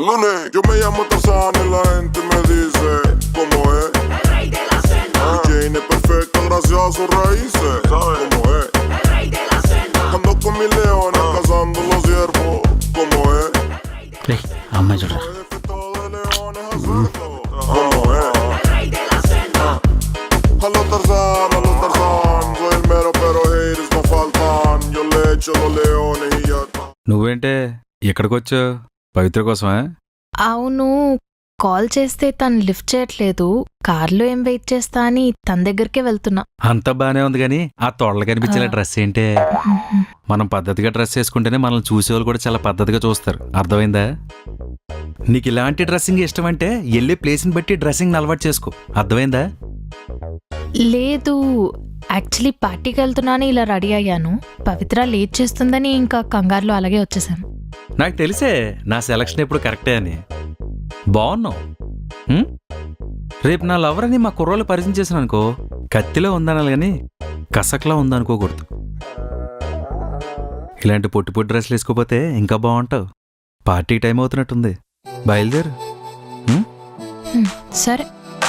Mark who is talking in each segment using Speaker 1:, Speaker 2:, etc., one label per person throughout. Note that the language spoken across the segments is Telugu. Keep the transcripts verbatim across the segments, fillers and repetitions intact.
Speaker 1: Lunes, yo me llamo Tarzán y la gente me dice cómo es.
Speaker 2: El rey de la selva.
Speaker 1: Mi Jane es perfecta gracias a sus raíces. ¿Sabes cómo es?
Speaker 2: El rey de la selva.
Speaker 1: Ando con mis leones cazando los ciervos. ¿Cómo es?
Speaker 3: రే అమ్మాయి చూడరా.
Speaker 1: Jefe todo de leones hacerlo. ¿Cómo es?
Speaker 2: El rey de la selva.
Speaker 1: A los Tarzán, a los Tarzán. Soy el mero pero haters no faltan. Yo le echo los leones y ya está.
Speaker 4: నువ్వేంటే ఇక్కడికి వచ్చావు? పవిత్ర కోసమా?
Speaker 5: అవును, కాల్ చేస్తే తను లిఫ్ట్ చేయట్లేదు. కార్లో ఏం వెయిట్ చేస్తా అని తన దగ్గరికే వెళ్తున్నా.
Speaker 4: అంతా బానే ఉంది గానీ ఆ తొడలు కనిపించేలా డ్రెస్ ఏంటే? మనం పద్ధతిగా డ్రెస్ వేసుకుంటేనే మనల్ని చూసేవాళ్ళు కూడా చాలా పద్ధతిగా చూస్తారు. అర్థమైందా? నీకు ఇలాంటి డ్రెస్సింగ్ ఇష్టం అంటే వెళ్ళే ప్లేస్ని బట్టి డ్రెస్సింగ్ అలవాటు చేసుకో. అర్థమైందా?
Speaker 5: లేదు, యాక్చువల్లీ పార్టీకి వెళ్తున్నాను ఇలా రెడీ అయ్యాను. పవిత్ర లేట్ చేస్తుందని ఇంకా కంగారులో అలాగే వచ్చేసాను.
Speaker 4: నాకు తెలిసే నా సెలక్షన్ ఎప్పుడు కరెక్టే అని. బాగున్నావు. ఉం? రేపు నా లవర్ అని మా కుర్రోళ్ళు పరిచయం చేసాను అనుకో, కత్తిలో ఉందనాలి కానీ కసక్లా ఉందనుకోకూడదు. ఇలాంటి పొట్టి పొట్టి డ్రెస్లు వేసుకోపోతే ఇంకా బాగుంటావు. పార్టీ టైం అవుతున్నట్టుంది, బయలుదేరు. ఉం?
Speaker 5: హ్మ్, సరే.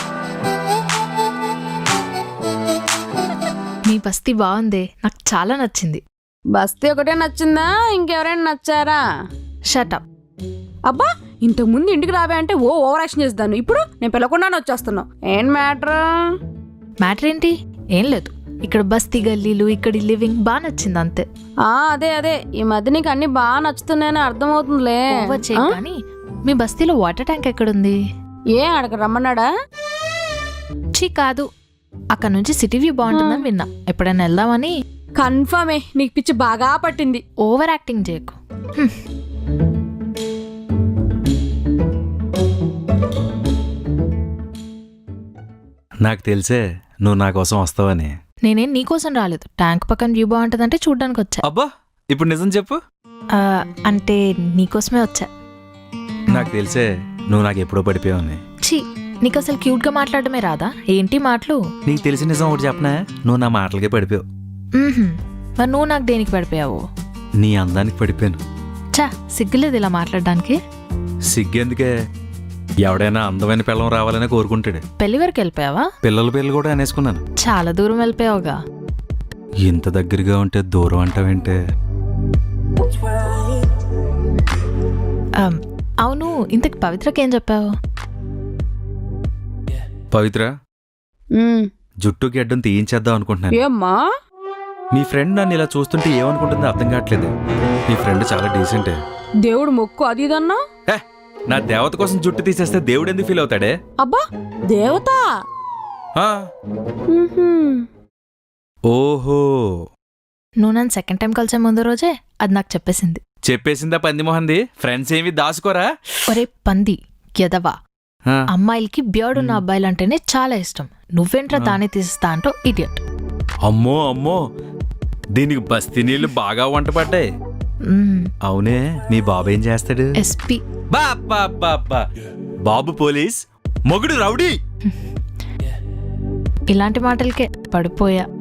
Speaker 5: మీ బస్తీ బాగుంది, నాకు చాలా నచ్చింది.
Speaker 6: బస్తీ ఒకటే నచ్చిందా, ఇంకెవరైనా నచ్చారా?
Speaker 5: షటప్.
Speaker 6: అబ్బా, ఇంతకు ముందు ఇంటికి రావే అంటే ఓ ఓవర్ యాక్షన్ చేస్తాను, ఇప్పుడు నేను పిలవకుండానే వచ్చేస్తున్నావు. ఏం మ్యాటర్?
Speaker 5: మ్యాటర్ ఏంటి? ఏం లేదు, ఇక్కడ బస్తీ గల్లీలు, ఇక్కడ లివింగ్ బాగా నచ్చింది అంతే.
Speaker 6: ఆ అదే అదే ఈ మధ్య నీకు అన్ని బాగా నచ్చుతున్నాయని అర్థమవుతుందిలే.
Speaker 5: ఓవర్ చేయి
Speaker 6: ఆ?
Speaker 5: కానీ మీ బస్తీలో వాటర్ ట్యాంక్ ఎక్కడుంది?
Speaker 6: ఏ అడగ రమ్మన్నాడా?
Speaker 5: చీ కాదు, అక్కడ నుంచి సిటీ వ్యూ బాగుంటుందని విన్నా, ఎప్పుడైనా వెళ్దామని.
Speaker 6: కన్ఫర్మే, నీకు పిచ్చి బాగా పట్టింది.
Speaker 5: ఓవర్ యాక్టింగ్ చేయకు. హ్మ్.
Speaker 4: నాకు తెలిసే నువ్వు నా కోసం వస్తావని.
Speaker 5: నేనేం నీకోసం రాలేదు, ట్యాంక్ పక్కన వ్యూ బాగుంటుందంటే చూడ్డానికి వచ్చా.
Speaker 4: అబ్బా, ఇప్పుడు నిజం చెప్పు.
Speaker 5: ఆ, అంటే నీకోసమే వచ్చా.
Speaker 4: నాకు తెలిసే నువ్వు నాకు ఎప్పుడో పడిపోయావని.
Speaker 5: ఛీ, నీకు అసలు క్యూట్ గా మాట్లాడమే రాదా? ఏంటి మాటలు?
Speaker 4: నీకు తెలిసిన నిజం ఒకటి చెప్పనా, నువ్వు నా మాటలకే పడిపోయావు.
Speaker 5: మ్మ్హ్మ్. మరి నువ్వు నాకు దేనికి పడిపోయావు?
Speaker 4: నీ అందానికి పడిపోయాను.
Speaker 5: చా, సిగ్గులేదు ఇలా మాట్లాడడానికి.
Speaker 4: సిగ్గెందుకే, ఎవడైనా అందమైన పిల్లం రావాలనే కోరుకుంటాడు.
Speaker 5: పెళ్లి వరకు వెళ్ళిపోయావా?
Speaker 4: పిల్లల పేర్లు కూడా అనేసుకున్నాను.
Speaker 5: చాలా దూరం వెళ్ళిపోయావుగా.
Speaker 4: ఇంత దగ్గరగా ఉంటే దూరం అంటావేంటే?
Speaker 5: ఆమ్, అవును, ఇంతకు పవిత్రకి ఏం చెప్పావు?
Speaker 4: పవిత్ర,
Speaker 6: ఉమ్,
Speaker 4: జుట్టుకి అడ్డం తీయించేద్దాం అనుకుంటున్నాను.
Speaker 6: ఏమ్మా?
Speaker 4: మీ ఫ్రెండ్ నన్ను ఇలా చూస్తుంటే ఏమనుకుంటుందో అర్థం కావట్లేదు. మీ ఫ్రెండ్ చాలా డీసెంటే.
Speaker 6: దేవుడు మొక్కు అది ఇదన్నా?
Speaker 4: హే, నా దేవత కోసం జుట్టు తీసేస్తే దేవుడు ఎందుకు ఫీల్ అవుతాడే?
Speaker 6: అబ్బా, దేవత?
Speaker 4: ఆ,
Speaker 6: ఉహుం.
Speaker 4: ఓహో,
Speaker 5: నువ్వు నన్ను సెకండ్ టైం కలిసే ముందు రోజే అది నాకు చెప్పేసింది.
Speaker 4: చెప్పేసిందా పందిమోహంది? ఫ్రెండ్స్ ఏమి దాచుకోరా?
Speaker 5: ఒరే పంది ఎదవా,
Speaker 4: ఆ,
Speaker 5: అమ్మాయిలకి బియర్డ్ ఉన్న అబ్బాయిలంటేనే చాలా ఇష్టం. నువ్వేంట్రా దాన్ని తీసిస్తా అంటో ఇడియట్.
Speaker 4: అమ్మో అమ్మో, దీనికి బస్తీ నీళ్లు బాగా వంట పడ్డాయి. అవునే, మీ బాబు ఏం చేస్తాడు?
Speaker 5: ఎస్పీ.
Speaker 4: బా బా బా బా. బాబు పోలీస్, మొగుడు రౌడీ.
Speaker 5: ఇలాంటి మాటలకే పడిపోయా.